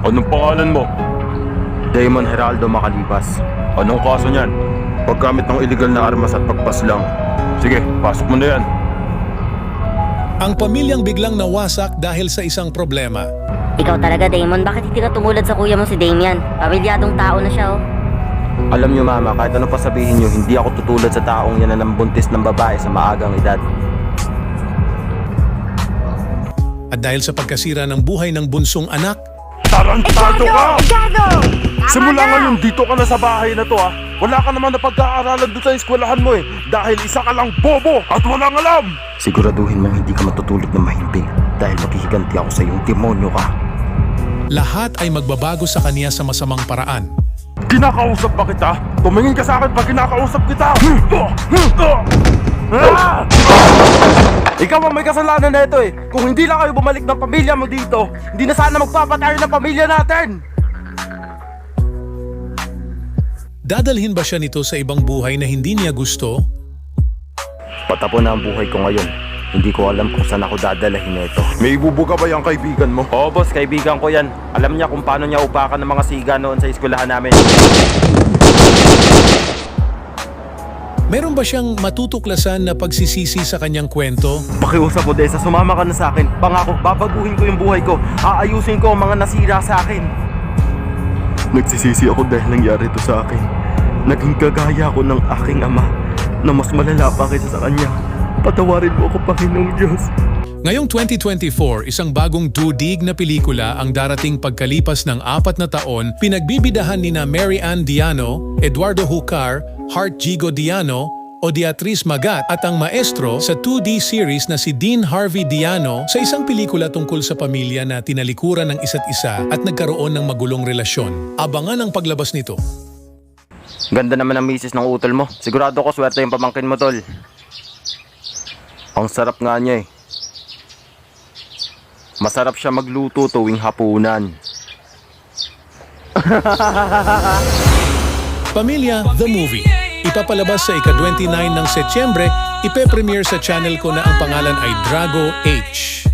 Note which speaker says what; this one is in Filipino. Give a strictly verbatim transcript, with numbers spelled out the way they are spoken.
Speaker 1: Anong pangalan mo?
Speaker 2: Damon Heraldo Macalibas.
Speaker 1: Anong kaso niyan?
Speaker 2: Paggamit ng illegal na armas at pagpaslang.
Speaker 1: Sige, pasok mo na yan.
Speaker 3: Ang pamilyang biglang nawasak dahil sa isang problema.
Speaker 4: Ikaw talaga, Damon. Bakit hindi ka tumulad sa kuya mo si Damian? Pamilyadong tao na siya, oh.
Speaker 2: Alam niyo mama, kahit ano pa sabihin niyo, hindi ako tutulad sa taong yan na nambuntis ng babae sa maagang edad.
Speaker 3: At dahil sa pagkasira ng buhay ng bunsong anak,
Speaker 1: Tarantado ka! Simula ngayon, dito ka na sa bahay na to ha. Wala ka naman na pag-aaralan doon sa eskwelahan mo eh. Dahil isa ka lang bobo at walang alam.
Speaker 2: Siguraduhin mong hindi ka matutulog ng mahimbing dahil maghihiganti ako sa iyong demonyo ka.
Speaker 3: lahat ay magbabago sa kanya sa masamang paraan.
Speaker 1: Kinakausap ba kita? Tumingin ka sa akin pag kinakausap kita! Ah! Ikaw ang may kasalanan na ito eh. Kung hindi lang kayo bumalik ng pamilya mo dito, hindi na sana magpapatayo ng pamilya natin.
Speaker 3: Dadalhin ba siya nito sa ibang buhay na hindi niya gusto?
Speaker 2: Patapon na ang buhay ko ngayon. Hindi ko alam kung saan ako dadalahin na ito.
Speaker 1: May ibubuga ba yung kaibigan mo?
Speaker 2: Oo boss, kaibigan ko yan. Alam niya kung paano niya upakan ng mga siga noon sa eskwelahan namin.
Speaker 3: Meron ba siyang matutuklasan na pagsisisi sa kanyang kwento?
Speaker 2: Pakiusap mo, Desa, sumama ka na sa akin. Pangako, babaguhin ko yung buhay ko. Aayusin ko ang mga nasira sa akin. Nagsisisi ako dahil nangyari ito sa akin. Naging kagaya ako ng aking ama na mas malala pa kaysa sa kanya. Patawarin mo ako, Panginoong Diyos.
Speaker 3: Ngayong twenty twenty-four, isang bagong dudig na pelikula ang darating pagkalipas ng apat na taon, pinagbibidahan nina Mary Ann Diano, Eduardo Hucar, Hart Gigo Diano, o Beatriz Magat at ang maestro sa two D series na si Dean Harvey Diano sa isang pelikula tungkol sa pamilya na tinalikuran ng isa't isa at nagkaroon ng magulong relasyon. Abangan ang paglabas nito.
Speaker 2: Ganda naman ang misis ng utol mo. Sigurado ko swerte yung pamangkin mo, tol. Ang sarap nga niya eh. Masarap siya magluto tuwing hapunan.
Speaker 3: Pamilya The Movie. Ipapalabas sa ika-twenty-nine ng Setyembre, ipe-premiere sa channel ko na ang pangalan ay Drago H.